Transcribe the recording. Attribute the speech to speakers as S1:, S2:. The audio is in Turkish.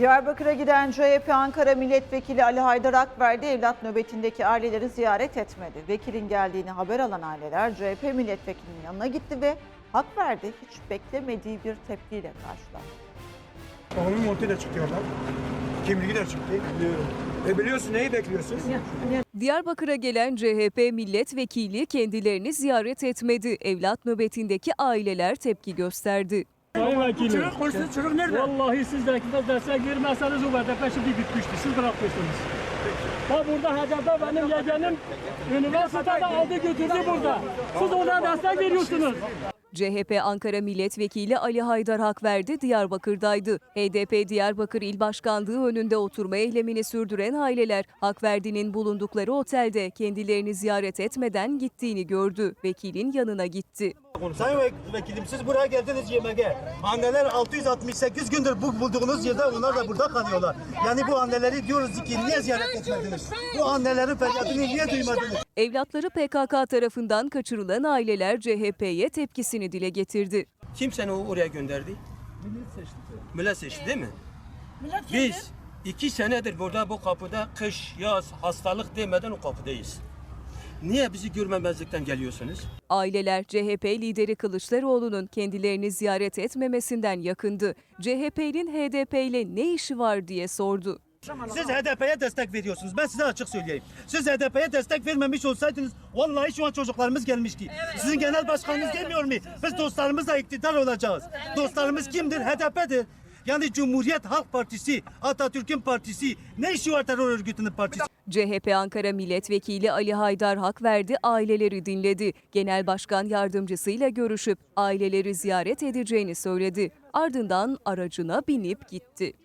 S1: Diyarbakır'a giden CHP Ankara Milletvekili Ali Haydar Akverdi evlat nöbetindeki aileleri ziyaret etmedi. Vekilin geldiğini haber alan aileler CHP milletvekilinin yanına gitti ve Akverdi hiç beklemediği bir tepkiyle karşılandı.
S2: Oğlum ortaya çıkıyorlar. Kimliği de çıktı. Biliyorum. Biliyorsun, neyi bekliyorsun?
S3: Diyarbakır'a gelen CHP milletvekili kendilerini ziyaret etmedi. Evlat nöbetindeki aileler tepki gösterdi.
S4: Sayın Vekilim,
S2: Çocuk nerede?
S4: vallahi siz de destek vermezseniz o BDP şimdi bitmişti. Siz bırakmışsınız. Bak burada HDP benim yeğenim üniversitede aldı götürdü burada. Siz ona destek veriyorsunuz.
S3: CHP Ankara Milletvekili Ali Haydar Akverdi Diyarbakır'daydı. HDP Diyarbakır İl Başkanlığı önünde oturma eylemini sürdüren aileler Akverdi'nin bulundukları otelde kendilerini ziyaret etmeden gittiğini gördü. Vekilin yanına gitti.
S5: Sayın Vekilim, siz buraya geldiniz yemeğe. Anneler 668 gündür bu bulduğunuz yerde, onlar da burada kalıyorlar. Yani bu anneleri diyoruz ki niye ziyaret etmediniz? Bu annelerin feryadını niye duymadınız?
S3: Evlatları PKK tarafından kaçırılan aileler CHP'ye tepkisini dile getirdi.
S6: Kim seni oraya gönderdi? Millet seçti değil mi? Biz 2 senedir burada bu kapıda kış, yaz, hastalık demeden o kapıdayız. Niye bizi görmemezlikten geliyorsunuz?
S3: Aileler CHP lideri Kılıçdaroğlu'nun kendilerini ziyaret etmemesinden yakındı. CHP'nin HDP ile ne işi var diye sordu.
S5: Siz HDP'ye destek veriyorsunuz. Ben size açık söyleyeyim. Siz HDP'ye destek vermemiş olsaydınız vallahi şu an çocuklarımız gelmişti. Sizin genel başkanınız demiyor mu? Biz dostlarımızla iktidar olacağız. Dostlarımız kimdir? HDP'dir. Yani Cumhuriyet Halk Partisi, Atatürk'ün partisi, ne işi var terör örgütünün partisi?
S3: CHP Ankara Milletvekili Ali Haydar Akverdi aileleri dinledi. Genel Başkan Yardımcısıyla görüşüp aileleri ziyaret edeceğini söyledi. Ardından aracına binip gitti.